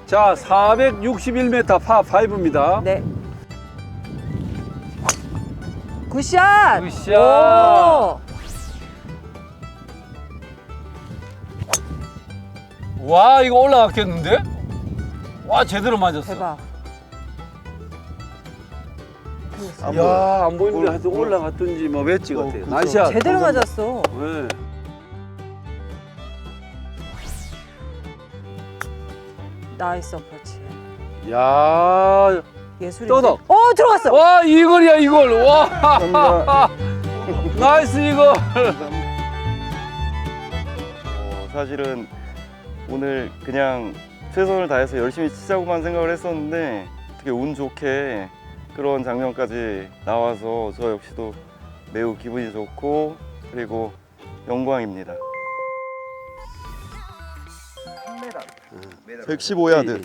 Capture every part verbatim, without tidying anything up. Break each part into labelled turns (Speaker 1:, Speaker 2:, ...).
Speaker 1: 자, 사백육십일 미터 파 오입니다.
Speaker 2: 네. 굿샷!
Speaker 1: 굿샷!
Speaker 2: 오!
Speaker 1: 와, 이거 올라갔겠는데? 와, 제대로 맞았어.
Speaker 2: 대박.
Speaker 3: 안
Speaker 1: 야,
Speaker 3: 보여요.
Speaker 1: 안 보이는데
Speaker 3: 올-
Speaker 1: 하여튼
Speaker 3: 올-
Speaker 1: 올라갔든지 뭐 웨지
Speaker 3: 어,
Speaker 1: 같아요.
Speaker 3: 그쵸.
Speaker 1: 나이스야.
Speaker 2: 제대로
Speaker 3: 감사합니다.
Speaker 2: 맞았어.
Speaker 1: 네.
Speaker 2: 나이스 어프로치.
Speaker 1: 야,
Speaker 2: 예술이.
Speaker 1: 떠덕.
Speaker 2: 어, 들어갔어.
Speaker 1: 와, 이걸이야, 이걸. 와,
Speaker 3: 감사합니다.
Speaker 1: 나이스 이걸.
Speaker 3: 어, 사실은 오늘 그냥 최선을 다해서 열심히 치자고만 생각을 했었는데 어떻게 운 좋게 그런 장면까지 나와서 저 역시도 매우 기분이 좋고 그리고 영광입니다. 백십오 야드.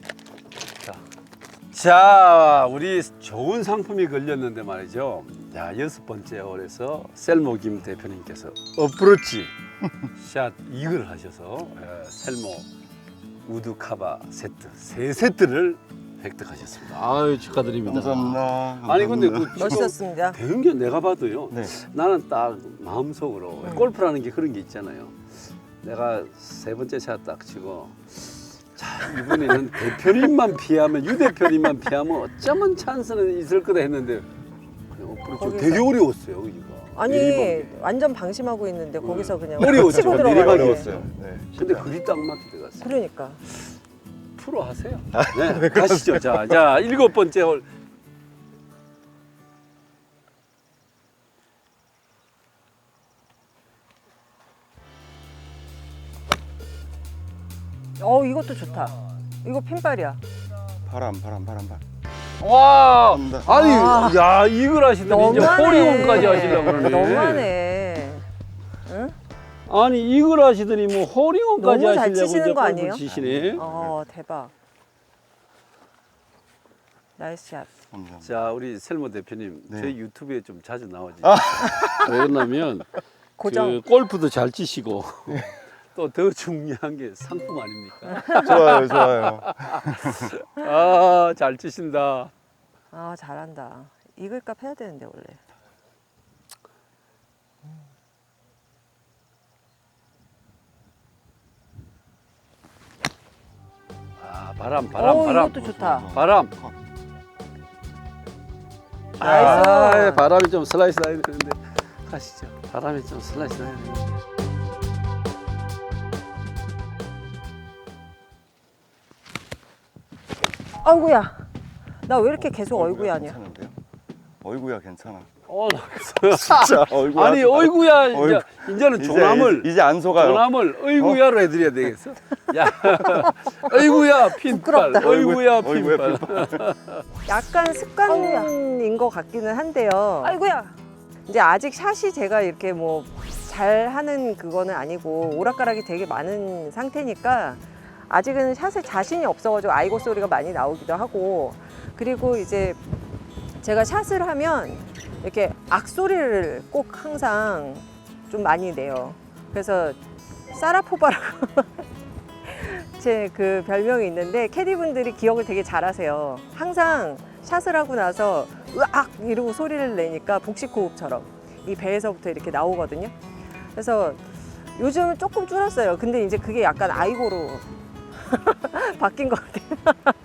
Speaker 1: 자, 우리 좋은 상품이 걸렸는데 말이죠. 자, 여섯 번째 홀에서 셀모 김 대표님께서 어프로치 샷 이글 하셔서 에, 셀모 우드 카바 세트 세 세트를 획득하셨습니다. 아유, 축하드립니다.
Speaker 3: 감사합니다.
Speaker 1: 아니 근데 그
Speaker 3: 감사합니다.
Speaker 2: 멋있었습니다.
Speaker 1: 배운 게 내가 봐도요.
Speaker 3: 네.
Speaker 1: 나는 딱 마음속으로
Speaker 2: 음.
Speaker 1: 골프라는 게 그런 게 있잖아요. 내가 세 번째 샷 딱 치고 자, 이번에는 대표님만 피하면 유 대표님만 피하면 어쩌면 찬스는 있을 거다 했는데 그냥 어프로치
Speaker 2: 거기서-
Speaker 1: 되게 어려웠어요. 이거.
Speaker 2: 아니,
Speaker 1: 내리막이.
Speaker 2: 완전 방심하고 있는데 거기서 그냥
Speaker 1: 어려웠죠.
Speaker 2: 치고
Speaker 1: 내리막이
Speaker 2: 들어가네.
Speaker 3: 어려웠어요. 네.
Speaker 1: 근데 그리 딱 맞게 들어갔어요.
Speaker 2: 그러니까.
Speaker 1: 프로 하세요. 네, 가시죠. 자, 자 일곱 번째 홀.
Speaker 2: 어, 이것도 좋다. 이거 핀발이야.
Speaker 3: 바람, 바람, 바람, 바람.
Speaker 1: 와,
Speaker 3: 감사합니다.
Speaker 1: 아니,
Speaker 2: 아.
Speaker 1: 야 이걸 하시더니 이제
Speaker 2: 너무하네.
Speaker 1: 호리온까지 하시려고 그러네.
Speaker 2: 너무하네. 응?
Speaker 1: 아니 이걸 하시더니 뭐 호리온까지
Speaker 2: 너무 잘
Speaker 1: 하시려고
Speaker 2: 치시는
Speaker 1: 이제
Speaker 2: 거
Speaker 1: 골프
Speaker 2: 아니에요?
Speaker 1: 치시네.
Speaker 2: 어, 대박. 나이스 샷.
Speaker 3: 감사합니다.
Speaker 1: 자, 우리 셀모 대표님,
Speaker 3: 네.
Speaker 1: 저희 유튜브에 좀 자주 나오지. 왜 그러냐면
Speaker 2: 고정.
Speaker 1: 그 골프도 잘 치시고 또 더 중요한 게 상품 아닙니까?
Speaker 3: 좋아요, 좋아요.
Speaker 1: 아, 잘 치신다.
Speaker 2: 아, 잘한다. 이글값 해야 되는데 원래.
Speaker 1: 아, 바람, 바람,
Speaker 2: 오,
Speaker 1: 바람.
Speaker 2: 이것도 좋다.
Speaker 1: 바람.
Speaker 2: 나이스.
Speaker 1: 아, 바람이 좀 슬라이스 나야 되는데 가시죠. 바람이 좀 슬라이스 나야 되는데.
Speaker 2: 아이고야. 나 왜 이렇게 계속 어이구야 하냐.
Speaker 3: 괜찮은데요? 어이구야 괜찮아.
Speaker 1: 어,
Speaker 3: 진짜 어이구야.
Speaker 1: 아니 어이구야 이제
Speaker 3: 어이구.
Speaker 1: 이제는
Speaker 3: 이제,
Speaker 1: 조남을
Speaker 3: 이제, 이제 안 속아요.
Speaker 1: 조남을 어이구야로 해드려야 되겠어. 야, 어이구야 핀발,
Speaker 2: 부끄럽다.
Speaker 1: 어이구야
Speaker 3: 어이구야,
Speaker 1: 핀발.
Speaker 2: 약간 습관인 것 같기는 한데요. 아이고야. 이제 아직 샷이 제가 이렇게 뭐 잘하는 그거는 아니고 오락가락이 되게 많은 상태니까 아직은 샷에 자신이 없어가지고 아이고 소리가 많이 나오기도 하고, 그리고 이제 제가 샷을 하면 이렇게 악소리를 꼭 항상 좀 많이 내요. 그래서 사라포바라고 제 그 별명이 있는데 캐디분들이 기억을 되게 잘하세요. 항상 샷을 하고 나서 으악 이러고 소리를 내니까 복식호흡처럼 이 배에서부터 이렇게 나오거든요. 그래서 요즘은 조금 줄었어요. 근데 이제 그게 약간 아이고로 바뀐 것 같아요.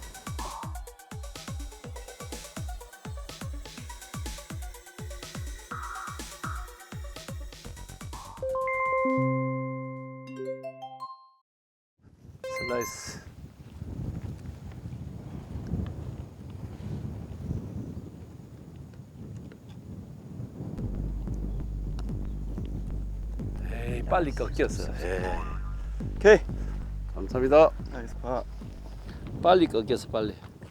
Speaker 1: 슬라이스. 에이, 빨리 꺾였어. 에이.
Speaker 3: 오케이.
Speaker 1: 감사합니다.
Speaker 3: 나이스 파.
Speaker 1: 빨리 꺾였어, 빨리.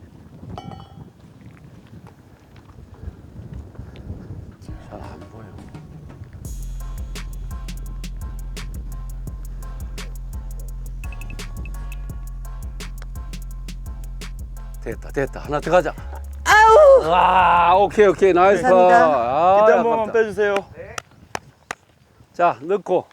Speaker 1: 잘 안 보여. 됐다, 됐다. 하나 더 가자. 아우! 와, 오케이, 오케이. 나이스.
Speaker 2: 감사합니다.
Speaker 1: 아,
Speaker 3: 기대 한 번만
Speaker 1: 아깝다.
Speaker 3: 빼주세요.
Speaker 1: 자, 넣고.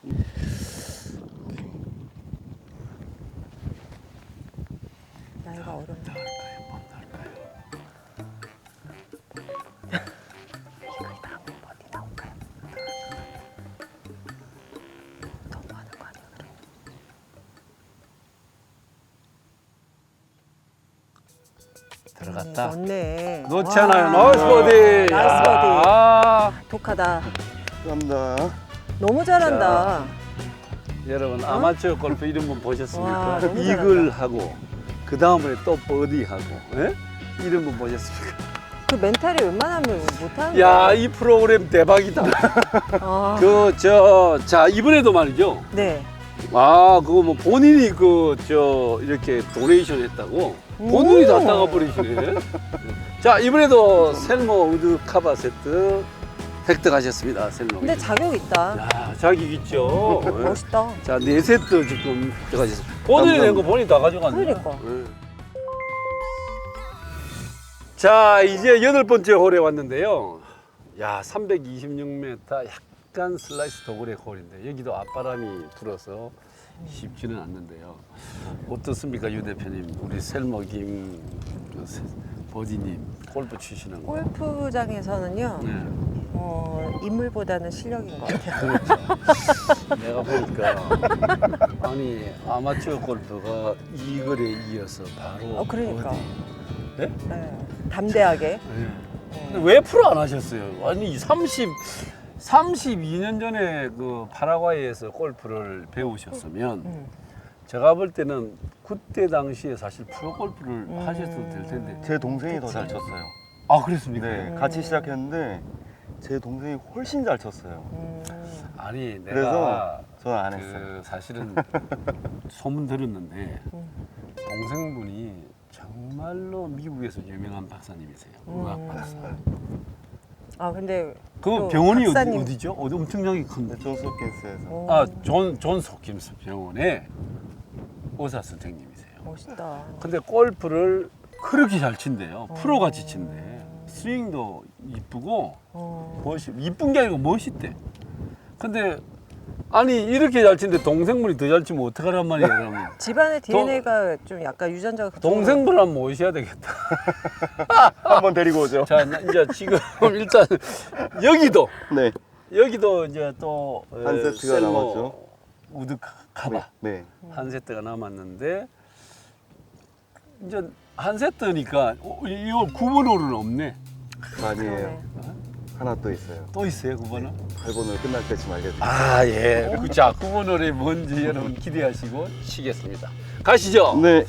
Speaker 1: 들어갔다.
Speaker 2: 좋네.
Speaker 1: 놓지
Speaker 2: 와.
Speaker 1: 않아요. 나이스 버디.
Speaker 2: 나이스
Speaker 1: 야.
Speaker 2: 버디.
Speaker 1: 아,
Speaker 2: 독하다.
Speaker 3: 감사합니다.
Speaker 2: 너무 잘한다.
Speaker 1: 여러분 아마추어 골프 이런 분 보셨습니까?
Speaker 2: 와, 너무
Speaker 1: 이글하고 그 다음에 또 버디하고 예? 이런 분 보셨습니까?
Speaker 2: 그 멘탈이 웬만하면 못하는
Speaker 1: 야,
Speaker 2: 거야.
Speaker 1: 이 프로그램 대박이다.
Speaker 2: 아,
Speaker 1: 그 저 자 이번에도 말이죠.
Speaker 2: 네.
Speaker 1: 아, 그거 뭐 본인이 그 저 이렇게 도네이션 했다고 본인이 다 따가 버리시네. 자, 이번에도 셀모 우드 카바 세트 획득하셨습니다. 셀모.
Speaker 2: 근데 자격 있다.
Speaker 1: 야, 자기 있죠. 예.
Speaker 2: 멋있다.
Speaker 1: 자, 네 세트 지금 획득하셨습니다. 본인이 낸 거 본인이 다 가져갔네.
Speaker 2: 그러니까.
Speaker 1: 예. 자, 이제 여덟 번째 홀에 왔는데요. 야, 삼백이십육 미터 약간 슬라이스 도그레 홀인데 여기도 앞바람이 불어서 쉽지는 않는데요. 어떻습니까, 유 대표님? 우리 셀모김 버디님 골프 치시는 거.
Speaker 2: 골프장에서는요,
Speaker 1: 네.
Speaker 2: 어, 인물보다는 실력인 것 같아요.
Speaker 1: 내가 보니까 아니 아마추어 골프가 이글에 이어서 바로
Speaker 2: 어, 그러니까.
Speaker 1: 버디. 네?
Speaker 2: 네. 담대하게.
Speaker 1: 네. 근데 왜 프로 안 하셨어요? 아니 삼십, 삼십이 년 전에 그 파라과이에서 골프를 배우셨으면
Speaker 2: 음.
Speaker 1: 제가 볼 때는 그때 당시에 사실 프로 골프를
Speaker 2: 음.
Speaker 1: 하셨어도 될 텐데.
Speaker 3: 제 동생이 더 잘 쳤어요.
Speaker 1: 아, 그랬습니까?
Speaker 3: 네,
Speaker 2: 음.
Speaker 3: 같이 시작했는데 제 동생이 훨씬 잘 쳤어요.
Speaker 2: 음.
Speaker 1: 아니 내가
Speaker 3: 그래서 저는 안 했어요.
Speaker 1: 그 사실은 소문 들었는데
Speaker 2: 음.
Speaker 1: 동생분이 정말로 미국에서 유명한 박사님이세요.
Speaker 2: 음.
Speaker 1: 의학 박사.
Speaker 2: 아, 근데.
Speaker 1: 그
Speaker 2: 또
Speaker 1: 병원이 어디,
Speaker 2: 박사님.
Speaker 1: 어디죠? 어디 엄청나게 큰데.
Speaker 3: 네, 존스 홉킨스에서.
Speaker 2: 오,
Speaker 1: 아, 존, 존 소킴스 병원의 의사 선생님이세요.
Speaker 2: 멋있다.
Speaker 1: 근데 골프를 그렇게 잘 친대요.
Speaker 2: 어.
Speaker 1: 프로같이 친대. 스윙도 이쁘고
Speaker 2: 어.
Speaker 1: 멋있, 이쁜 게 아니고 멋있대. 근데 아니 이렇게 잘 치는데 동생분이 더 잘 치면 어떡하란 말이에요, 그러면.
Speaker 2: 집안의 디엔에이가 좀 약간 유전자가 그쪽으로-
Speaker 1: 동생분 한번 모셔야 되겠다.
Speaker 3: 한번 데리고 오죠.
Speaker 1: 자, 나 이제 지금 일단 여기도
Speaker 3: 네.
Speaker 1: 여기도 이제 또
Speaker 3: 한
Speaker 1: 에,
Speaker 3: 세트가
Speaker 1: 셀모
Speaker 3: 남았죠.
Speaker 1: 우드 카바
Speaker 3: 네.
Speaker 1: 한 세트가 남았는데 이제 한 세트니까 어, 이거 구 번 홀은 없네.
Speaker 3: 아니에요.
Speaker 2: 그러네.
Speaker 3: 하나 또 있어요.
Speaker 1: 또 있어요, 구 번은?
Speaker 3: 팔 번을 끝날 때쯤 알려드릴게요.
Speaker 1: 아, 예. 자, 구 번 홀이 뭔지 여러분 기대하시고 치겠습니다. 가시죠.
Speaker 3: 네.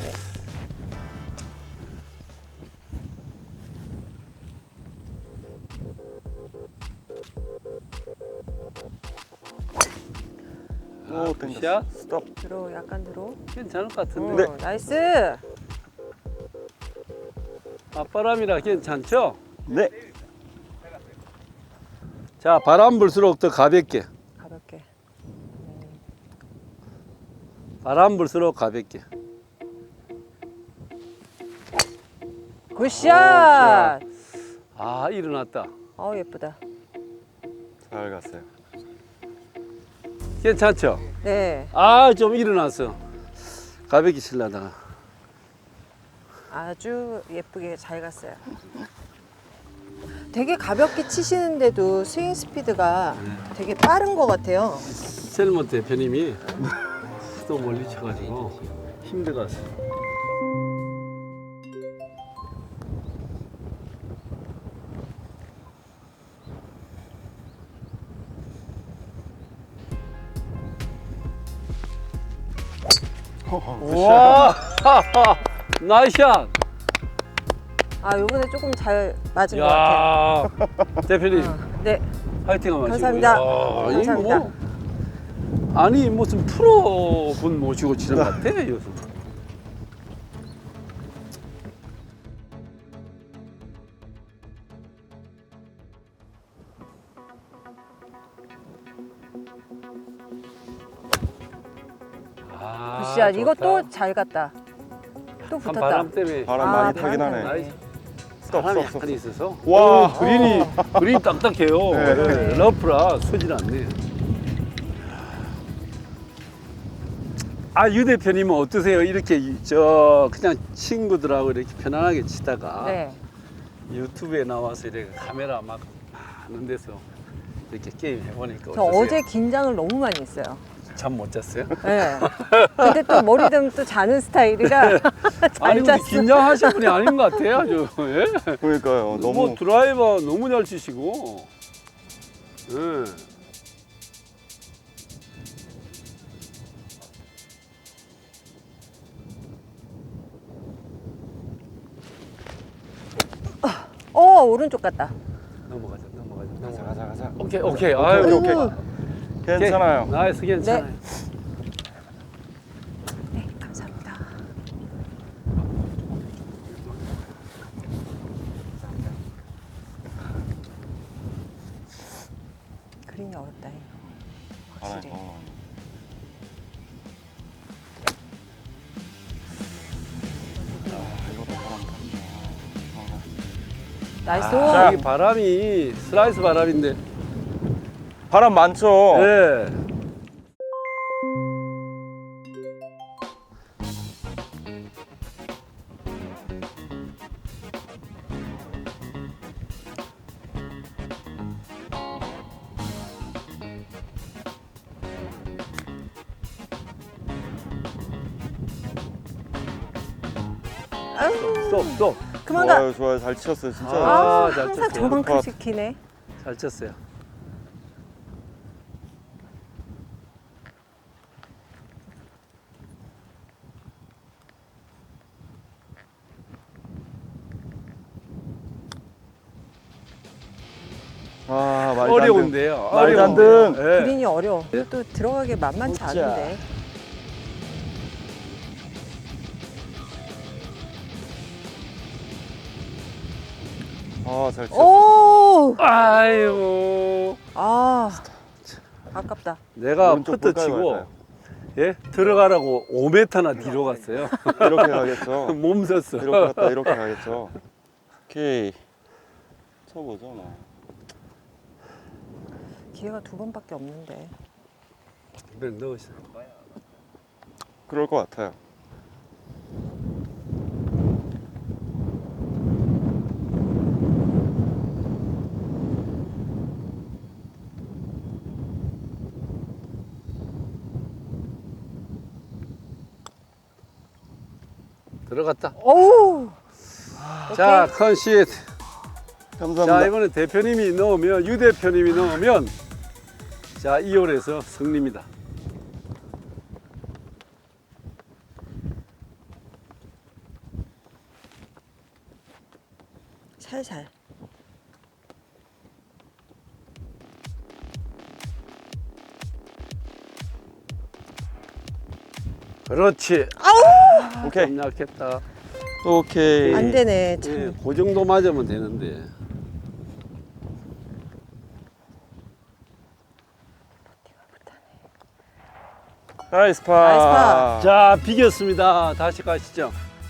Speaker 1: 아,
Speaker 3: 오,
Speaker 1: 굿샷.
Speaker 3: 땡겼어. 스톱.
Speaker 2: 들어, 약간 들어.
Speaker 1: 괜찮을 것
Speaker 2: 어,
Speaker 1: 같은데.
Speaker 3: 네.
Speaker 2: 나이스.
Speaker 1: 앞바람이라 괜찮죠?
Speaker 3: 네.
Speaker 1: 자, 바람 불수록 더 가볍게.
Speaker 2: 가볍게.
Speaker 1: 바람 불수록 가볍게.
Speaker 2: 굿샷.
Speaker 1: 아, 일어났다.
Speaker 2: 어, 예쁘다.
Speaker 3: 잘 갔어요.
Speaker 1: 괜찮죠?
Speaker 2: 네.
Speaker 1: 아, 좀 일어났어. 가볍게 치려다가.
Speaker 2: 아주 예쁘게 잘 갔어요. 되게 가볍게 치시는데도 스윙 스피드가 되게 빠른 것 같아요.
Speaker 1: 셀모 대표님이 또 멀리 쳐가지고 힘들었어. 와, 나이스샷.
Speaker 2: 아, 요번에 조금 잘 맞은 것 같아요.
Speaker 1: 야, 대표님
Speaker 2: 어, 네.
Speaker 1: 화이팅 하시고.
Speaker 2: 감사합니다.
Speaker 1: 야, 이거
Speaker 2: 감사합니다.
Speaker 1: 뭐, 아니 무슨 프로 분 모시고 치는 것 같아 요즘. 아,
Speaker 2: 굿샷. 이거
Speaker 1: 좋다.
Speaker 2: 또 잘 갔다. 또
Speaker 1: 한
Speaker 2: 붙었다.
Speaker 1: 바람 때문에
Speaker 3: 바람
Speaker 2: 아,
Speaker 3: 많이
Speaker 2: 바람
Speaker 3: 타긴 하네.
Speaker 2: 때문에.
Speaker 1: 나이스.
Speaker 3: 스톱,
Speaker 1: 바람이
Speaker 3: 스톱,
Speaker 1: 약간
Speaker 3: 스톱.
Speaker 1: 있어서.
Speaker 3: 와.
Speaker 1: 오, 그린이 그린이 딱딱해요.
Speaker 3: 네.
Speaker 1: 네, 러프라 서질 않네. 아, 유 대표님은 어떠세요? 이렇게 저 그냥 친구들하고 이렇게 편안하게 치다가
Speaker 2: 네.
Speaker 1: 유튜브에 나와서 이렇게 카메라 막 많은 데서 이렇게 게임 해보니까
Speaker 2: 저
Speaker 1: 어떠세요?
Speaker 2: 어제 긴장을 너무 많이 했어요.
Speaker 1: 잠 못 잤어요?
Speaker 2: 네. 근데 또 머리 되면 또 자는 스타일이라 잘
Speaker 1: 아니 근데
Speaker 2: 잤어.
Speaker 1: 긴장하신 분이 아닌 것 같아요. 아주. 예?
Speaker 3: 그러니까요. 너무
Speaker 1: 뭐 드라이버 너무 잘 치시고. 예.
Speaker 2: 어 오른쪽 같다.
Speaker 1: 넘어가자, 넘어가자,
Speaker 3: 가자
Speaker 1: 넘어가자.
Speaker 3: 가자 가자.
Speaker 1: 오케이, 오케이. 아유,
Speaker 3: 오케이, 오케이.
Speaker 2: 음.
Speaker 3: 괜찮아요.
Speaker 1: 오케이. 나이스, 괜찮아요.
Speaker 2: 네 감사합니다. 그린이 어렵다 이거. 확실히.
Speaker 3: 알아요. 어. 아, 이것도 바람 탔네. 어.
Speaker 2: 나이스.
Speaker 1: 아, 이 바람이 슬라이스 바람인데.
Speaker 3: 바람 많죠.
Speaker 1: 예. 스톱, 스톱.
Speaker 2: 그만 가.
Speaker 3: 좋아요, 좋아요. 잘 치셨어요, 진짜.
Speaker 2: 아,
Speaker 1: 아, 잘
Speaker 2: 항상
Speaker 1: 쳤어요.
Speaker 2: 저만큼
Speaker 3: 컷.
Speaker 2: 시키네.
Speaker 1: 잘 쳤어요.
Speaker 3: 아, 말도 안 돼.
Speaker 1: 어려운데요.
Speaker 3: 말도 안
Speaker 1: 어려운데요.
Speaker 3: 돼.
Speaker 1: 예.
Speaker 2: 그린이 어려워. 또 들어가기 만만치
Speaker 3: 진짜.
Speaker 2: 않은데.
Speaker 3: 아, 잘 치셨어.
Speaker 2: 오.
Speaker 1: 아이고.
Speaker 2: 아 아깝다.
Speaker 1: 내가
Speaker 3: 오른쪽
Speaker 1: 퍼트
Speaker 3: 볼까요,
Speaker 1: 치고
Speaker 3: 말까요?
Speaker 1: 예 들어가라고 오 미터나 뒤로 갔어요.
Speaker 3: 이렇게 가겠죠.
Speaker 1: 몸 썼어.
Speaker 3: 이렇게 갔다 이렇게 가겠죠. 오케이. 쳐보죠, 뭐.
Speaker 2: 기회가 두 번밖에 없는데.
Speaker 1: 이번엔 넣으시죠.
Speaker 3: 그럴 것 같아요.
Speaker 1: 들어갔다.
Speaker 2: 오.
Speaker 1: 자, 컨시트.
Speaker 3: 감사합니다.
Speaker 1: 자, 이번에 대표님이 넣으면 유 대표님이 넣으면 자, 이 홀에서 승리입니다.
Speaker 2: 살살.
Speaker 1: 그렇지.
Speaker 3: 오케이.
Speaker 1: 좀 약했다.
Speaker 3: 오케이.
Speaker 2: 안 되네. 참.
Speaker 1: 예, 그 정도 맞으면 되는데.
Speaker 3: 나이스 파.
Speaker 2: 나이스 파.
Speaker 1: 자, 비겼습니다. 다시 가시죠.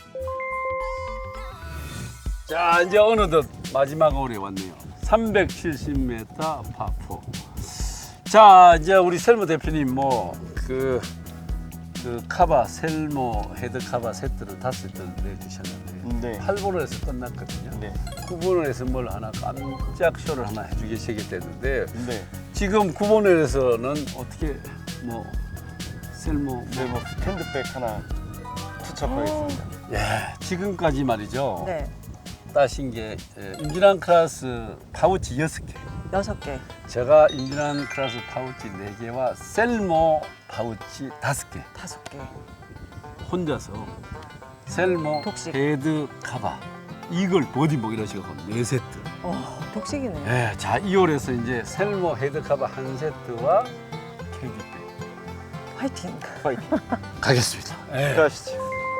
Speaker 1: 자, 이제 어느덧 마지막 홀에 왔네요. 삼백칠십 미터 파포. 자, 이제 우리 셀모 대표님 뭐그 그 카바 셀모 헤드 카바 세트를 다섯 세트를 내주셨는데
Speaker 3: 네.
Speaker 1: 팔 번홀에서 끝났거든요.
Speaker 3: 네.
Speaker 1: 구 번홀에서 뭘 하나 깜짝 쇼를 하나 해주시겠다는데
Speaker 3: 네.
Speaker 1: 지금 구 번홀에서는 어떻게 뭐 셀모
Speaker 3: 네, 뭐 스탠드백 하나 투척하겠습니다.
Speaker 1: 예, 지금까지 말이죠.
Speaker 2: 네.
Speaker 1: 따신 게 예, 임진한 클래스 파우치 여섯 개.
Speaker 2: 여섯 개.
Speaker 1: 제가 임진한 클래스 파우치 네 개와 셀모 파우치 다섯 개.
Speaker 2: 다섯 개.
Speaker 1: 혼자서 셀모
Speaker 2: 독식.
Speaker 1: 헤드 카바 이글 보디복 이런 식으로 네 세트.
Speaker 2: 어, 독식이네.
Speaker 1: 예, 자, 이 홀에서 이제 셀모 헤드 카바 한 세트와 캐디백
Speaker 2: 화이팅.
Speaker 3: 파이팅.
Speaker 1: 가겠습니다. 예.
Speaker 3: 가시죠.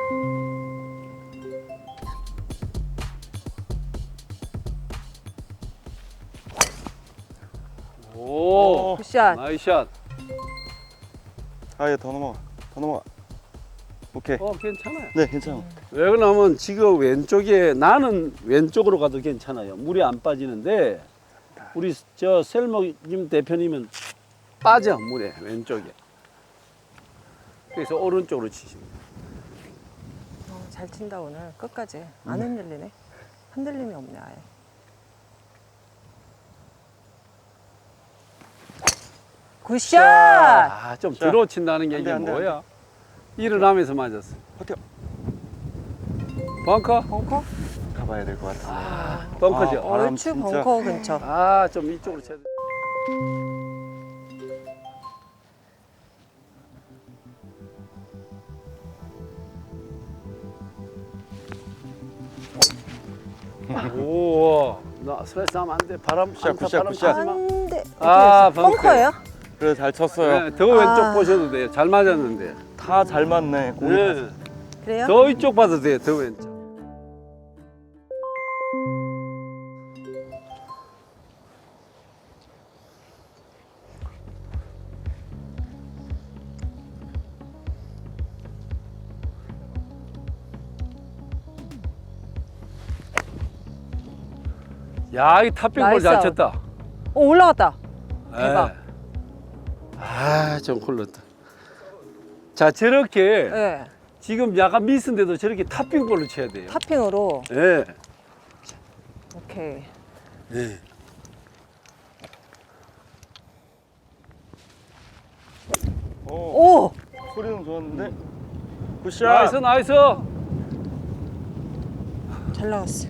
Speaker 1: 오,
Speaker 2: 굿샷.
Speaker 1: 나이샷.
Speaker 3: 아예 더 넘어가. 더 넘어가. 오케이.
Speaker 1: 어, 괜찮아요.
Speaker 3: 네, 괜찮아.
Speaker 1: 왜 그러냐면 지금 왼쪽에 나는 왼쪽으로 가도 괜찮아요. 물이 안 빠지는데 우리 저 셀모김 대표님은 빠져 물에 왼쪽에. 그래서 오른쪽으로 치십니다.
Speaker 2: 어, 잘 친다 오늘. 끝까지. 안 흔들리네. 흔들림이 없네 아예. 굿샷!
Speaker 1: 아, 좀
Speaker 3: 자,
Speaker 1: 들어친다는 게
Speaker 3: 안
Speaker 1: 이게
Speaker 3: 돼, 안 돼, 안
Speaker 1: 뭐야? 일어나면서 맞았어.
Speaker 3: 버텨.
Speaker 1: 벙커?
Speaker 2: 벙커?
Speaker 3: 가봐야 될 것 같은데.
Speaker 1: 아, 벙커죠.
Speaker 3: 아, 바람
Speaker 2: 얼추
Speaker 3: 진짜.
Speaker 2: 벙커 근처.
Speaker 1: 아, 좀 이쪽으로 쳐야 돼. 오, 나 스트레스 하면 안 돼. 바람
Speaker 3: 굿샷,
Speaker 1: 안 타,
Speaker 3: 굿샷,
Speaker 1: 바람
Speaker 3: 굿샷.
Speaker 1: 타지 마.
Speaker 2: 안 돼.
Speaker 1: 아,
Speaker 2: 어떻게 했어? 벙커예요?
Speaker 3: 그래 잘 쳤어요.
Speaker 1: 네, 더 왼쪽
Speaker 2: 아.
Speaker 1: 보셔도 돼요. 잘 맞았는데.
Speaker 3: 다 잘 맞네. 공이 다
Speaker 1: 네.
Speaker 2: 그래요?
Speaker 1: 더 이쪽 봐도 돼요. 더 왼쪽. 야, 이 탑백볼 잘
Speaker 2: 나이스
Speaker 1: 쳤다.
Speaker 2: 오, 올라갔다. 대박.
Speaker 1: 예. 아, 좀 굴렀다. 자, 저렇게
Speaker 2: 네.
Speaker 1: 지금 약간 미스인데도 저렇게 탑핑볼로 쳐야 돼요.
Speaker 2: 탑핑으로.
Speaker 1: 예.
Speaker 2: 오케이.
Speaker 1: 예.
Speaker 3: 오,
Speaker 2: 오!
Speaker 3: 소리는 좋았는데. 굿샷.
Speaker 1: 나이스, 나이스.
Speaker 2: 잘 나갔어.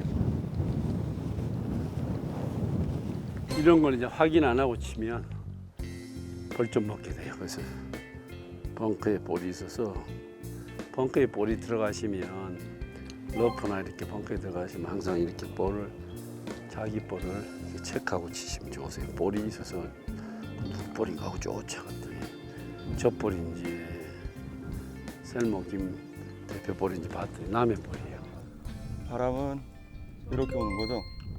Speaker 1: 이런 걸 이제 확인 안 하고 치면 벌 좀 먹게 돼요. 그래서 벙커에 볼이 있어서 벙커에 볼이 들어가시면 러프나 이렇게 벙커에 들어가시면 항상 이렇게 볼을 자기 볼을 이렇게 체크하고 치시면 좋으세요. 볼이 있어서 누구 볼인가 하고 쫓아갔더니 저 볼인지 셀모 김 대표 볼인지 봤더니 남의 볼이에요.
Speaker 3: 바람은 이렇게 오는 거죠?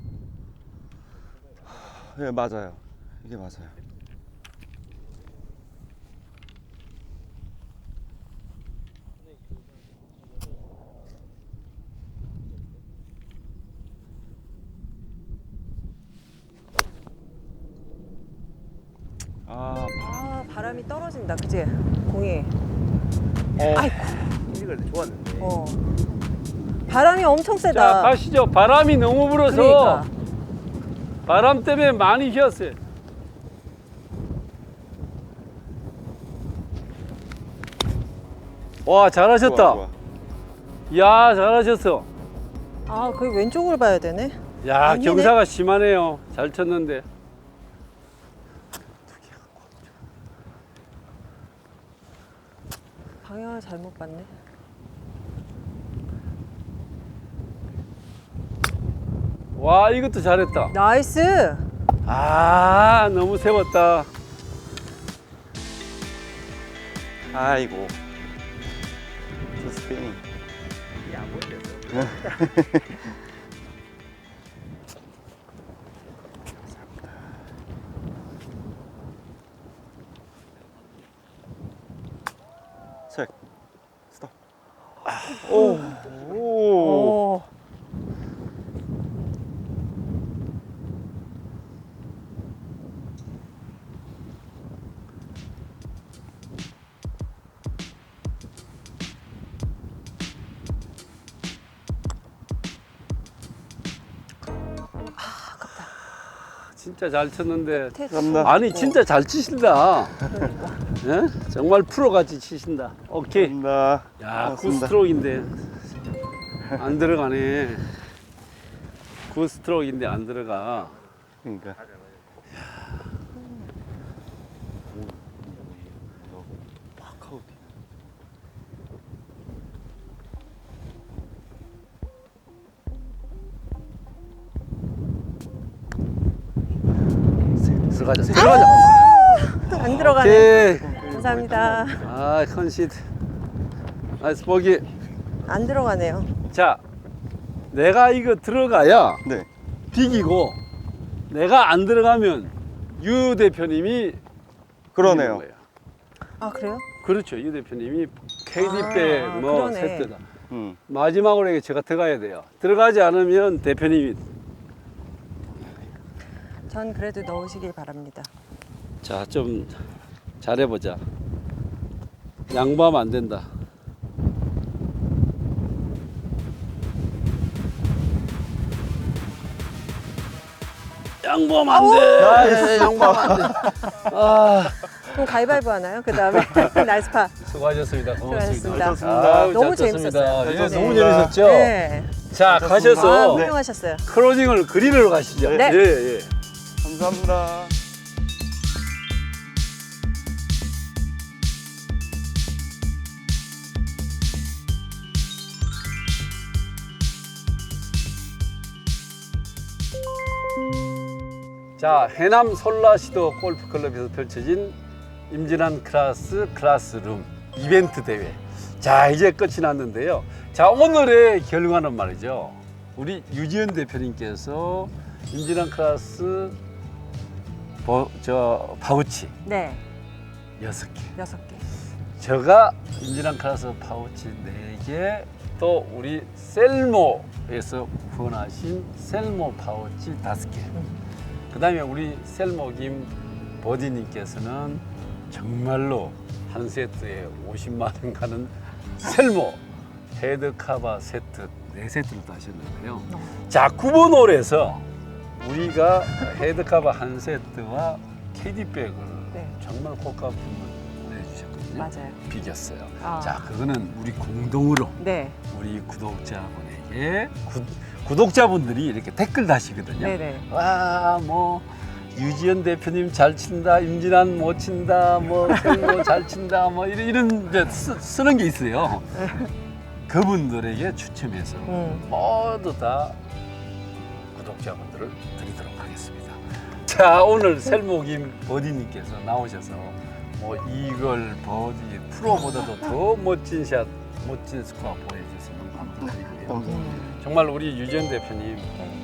Speaker 3: 네 맞아요. 이게 맞아요. 아,
Speaker 2: 아, 바람이 떨어진다. 그치? 공이.
Speaker 3: 어.
Speaker 2: 아이고.
Speaker 1: 이걸 좋았는데.
Speaker 2: 어. 바람이 엄청
Speaker 1: 자,
Speaker 2: 세다.
Speaker 1: 가시죠. 바람이 너무 불어서
Speaker 2: 그러니까.
Speaker 1: 바람 때문에 많이 휘었어요. 와, 잘하셨다.
Speaker 3: 좋아, 좋아.
Speaker 1: 야, 잘하셨어.
Speaker 2: 아, 거기 왼쪽을 봐야 되네.
Speaker 1: 야,
Speaker 2: 아니네.
Speaker 1: 경사가 심하네요. 잘 쳤는데.
Speaker 2: 방향을 잘못 봤네.
Speaker 1: 와, 이것도 잘했다.
Speaker 2: 나이스.
Speaker 1: 아, 너무 세웠다.
Speaker 3: 아이고. 저 스페인. 책. 스톱. 오. 오.
Speaker 2: 오.
Speaker 1: 진짜 잘 쳤는데.
Speaker 3: 감사합니다.
Speaker 1: 아니, 진짜 잘 치신다. 예? 정말 프로같이 치신다. 오케이.
Speaker 3: 감사합니다.
Speaker 1: 야,
Speaker 3: 고맙습니다.
Speaker 1: 굿스트로크인데 안 들어가네. 굿스트로크인데 안 들어가.
Speaker 3: 그러니까. 파카우트.
Speaker 1: 들어가자. 들어가자.
Speaker 2: 안 들어가네.
Speaker 1: 오케이.
Speaker 2: 감사합니다.
Speaker 1: 아, 컨시드. 나이스 보기.
Speaker 2: 안 들어가네요.
Speaker 1: 자, 내가 이거 들어가야
Speaker 3: 네.
Speaker 1: 비기고 내가 안 들어가면 유 대표님이
Speaker 3: 그러네요.
Speaker 1: 이기는 거예요.
Speaker 2: 아, 그래요?
Speaker 1: 그렇죠. 유 대표님이 케이디
Speaker 2: 아,
Speaker 1: 백뭐
Speaker 2: 그러네.
Speaker 1: 세트다.
Speaker 3: 음.
Speaker 1: 마지막으로 이게 제가 들어가야 돼요. 들어가지 않으면 대표님이.
Speaker 2: 전 그래도 넣으시길 바랍니다.
Speaker 1: 자, 좀 잘해보자. 양보하면 안 된다. 양보하면 안 돼.
Speaker 3: 아, 예,
Speaker 1: 양보하면 안 돼. 아,
Speaker 2: 그럼 가위바위보 하나요? 그 다음에 나이스파.
Speaker 1: 수고하셨습니다. 고맙습니다.
Speaker 2: 수고하셨습니다.
Speaker 1: 아유,
Speaker 2: 너무
Speaker 1: 잘
Speaker 2: 재밌었어요.
Speaker 1: 떴습니다. 예,
Speaker 3: 잘
Speaker 1: 너무
Speaker 3: 떴습니다.
Speaker 1: 재밌었죠?
Speaker 2: 네.
Speaker 1: 자,
Speaker 3: 잘
Speaker 1: 가셔서
Speaker 3: 떴습니다.
Speaker 2: 아,
Speaker 3: 네.
Speaker 2: 훌륭하셨어요.
Speaker 1: 크로징을 그리러 가시죠.
Speaker 2: 네.
Speaker 1: 예, 예.
Speaker 3: 감사합니다.
Speaker 1: 자, 해남 솔라시도 골프클럽에서 펼쳐진 임진한 클라스 클래스룸 이벤트 대회. 자, 이제 끝이 났는데요. 자, 오늘의 결과는 말이죠. 우리 유지현 대표님께서 임진한 클래스 버, 저 파우치
Speaker 2: 네.
Speaker 1: 여섯 개,
Speaker 2: 여섯 개.
Speaker 1: 제가 임진한 클래스 파우치 네 개, 또 우리 셀모에서 후원하신 셀모 파우치 다섯 개. 그 다음에 우리 셀모 김 버디님께서는 정말로 한 세트에 오십만 원 가는 셀모 헤드 카바 세트 네 세트를 따셨는데요. 자, 구 번 홀에서 우리가 헤드 카바 한 세트와 캐디백을
Speaker 2: 네.
Speaker 1: 정말 고가품을 보내주셨거든요.
Speaker 2: 맞아요.
Speaker 1: 비겼어요.
Speaker 2: 아.
Speaker 1: 자, 그거는 우리 공동으로
Speaker 2: 네.
Speaker 1: 우리 구독자분에게 구, 구독자분들이 이렇게 댓글 다시거든요.
Speaker 2: 네네.
Speaker 1: 와, 뭐 유지현 대표님 잘 친다, 임진환 못 친다, 뭐 생모 잘 친다, 뭐 이런 이런 이제 쓰, 쓰는 게 있어요. 그분들에게 추첨해서
Speaker 2: 음.
Speaker 1: 모두 다 구독자분들을 드리도록 하겠습니다. 자, 오늘 셀모김 버디님께서 나오셔서 뭐 이걸 버디 프로보다도 더 멋진 샷, 멋진 스코어 보여주셔서 너무 감사드리고요.
Speaker 2: 음.
Speaker 1: 정말 우리 유지현 대표님,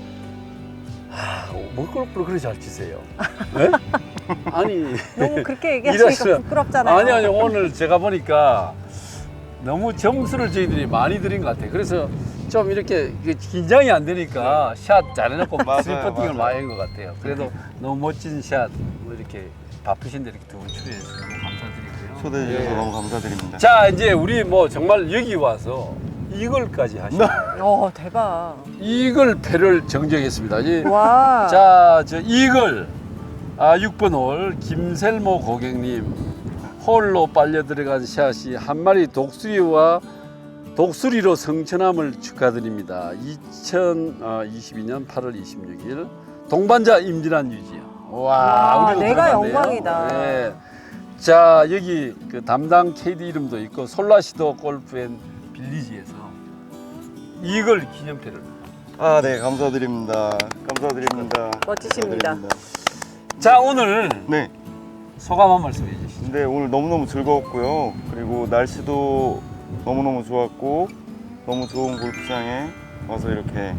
Speaker 1: 아, 뭐 골프를 그렇게 잘 치세요? 네? 아니,
Speaker 2: 너무 그렇게 얘기하시니까
Speaker 1: 일하시면-
Speaker 2: 부끄럽잖아요.
Speaker 1: 아니 아니 오늘 제가 보니까 너무 점수를 저희들이 많이 드린 것 같아요. 그래서 좀 이렇게 이게 긴장이 안 되니까 샷 잘해놓고
Speaker 3: 맞아요,
Speaker 1: 스리 퍼팅을
Speaker 3: 맞아요.
Speaker 1: 많이 한 것 같아요. 그래도 너무 멋진 샷, 뭐 이렇게 바쁘신데 이렇게 두 분 출연해주셔서 너무 감사드리고요.
Speaker 3: 초대해 주셔서
Speaker 1: 예.
Speaker 3: 너무 감사드립니다.
Speaker 1: 자, 이제 우리 뭐 정말 여기 와서 이걸까지 하시고
Speaker 2: 어, 대박.
Speaker 1: 이걸 패를 정정했습니다. 이-
Speaker 2: 와.
Speaker 1: 자, 저 이글 아, 육 번 홀 김셀모 고객님 홀로 빨려 들어간 샷이 한 마리 독수리와 독수리로 성천함을 축하드립니다. 이천이십이 년 팔월 이십육 일 동반자 임진환 유지요. 와,
Speaker 2: 와,
Speaker 1: 우리도
Speaker 2: 내가
Speaker 1: 들어갔네요.
Speaker 2: 영광이다.
Speaker 1: 네. 자, 여기 그 담당 케이디 이름도 있고 솔라시도 골프앤 빌리지에서 이글 기념패를.
Speaker 3: 아, 네, 감사드립니다. 감사드립니다.
Speaker 2: 멋지십니다.
Speaker 3: 감사드립니다.
Speaker 1: 자, 오늘
Speaker 3: 네.
Speaker 1: 소감 한 말씀 해주시죠.
Speaker 3: 근데 오늘 너무너무 즐거웠고요. 그리고 날씨도 너무너무 좋았고 너무 좋은 골프장에 와서 이렇게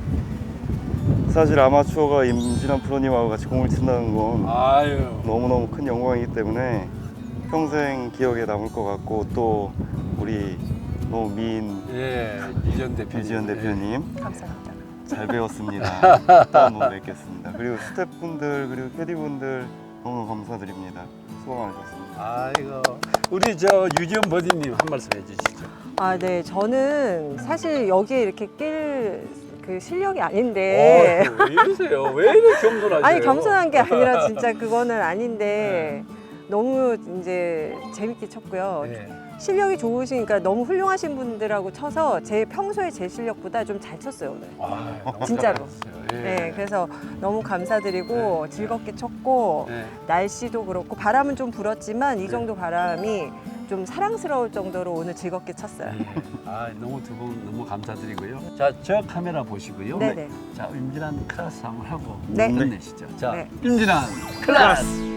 Speaker 3: 사실 아마추어가 임진환 프로님하고 같이 공을 친다는 건
Speaker 1: 아유.
Speaker 3: 너무너무 큰 영광이기 때문에 평생 기억에 남을 것 같고 또 우리 너무 미인
Speaker 1: 예, 이전 대표님.
Speaker 3: 유지현 대표님
Speaker 2: 감사합니다.
Speaker 3: 잘 배웠습니다. 또 한번 뵙겠습니다. 그리고 스태프분들 그리고 캐디분들 너무 감사드립니다. 수고 많으셨습니다.
Speaker 1: 아이고, 우리 저 유지현 버디님 한 말씀 해주시죠.
Speaker 2: 아, 네. 저는 사실 여기에 이렇게 낄 그 실력이 아닌데.
Speaker 1: 어, 왜 이러세요? 왜 이렇게 겸손하세요?
Speaker 2: 아니, 겸손한 게 아니라 진짜 그거는 아닌데 너무 이제 재밌게 쳤고요.
Speaker 1: 네.
Speaker 2: 실력이 좋으시니까 너무 훌륭하신 분들하고 쳐서 제 평소에 제 실력보다 좀 잘 쳤어요, 오늘.
Speaker 1: 아, 너무
Speaker 2: 진짜로.
Speaker 1: 잘하셨어요. 예.
Speaker 2: 네, 그래서 너무 감사드리고 즐겁게 쳤고
Speaker 1: 네.
Speaker 2: 날씨도 그렇고 바람은 좀 불었지만 이 정도 바람이 좀 사랑스러울 정도로 오늘 즐겁게 쳤어요.
Speaker 1: 예. 아, 너무 두 분 너무 감사드리고요. 자, 저 카메라 보시고요.
Speaker 2: 네네.
Speaker 1: 자, 임진환 클래스 한번 하고
Speaker 2: 네.
Speaker 1: 끝내시죠. 자,
Speaker 2: 네.
Speaker 1: 임진환 클래스.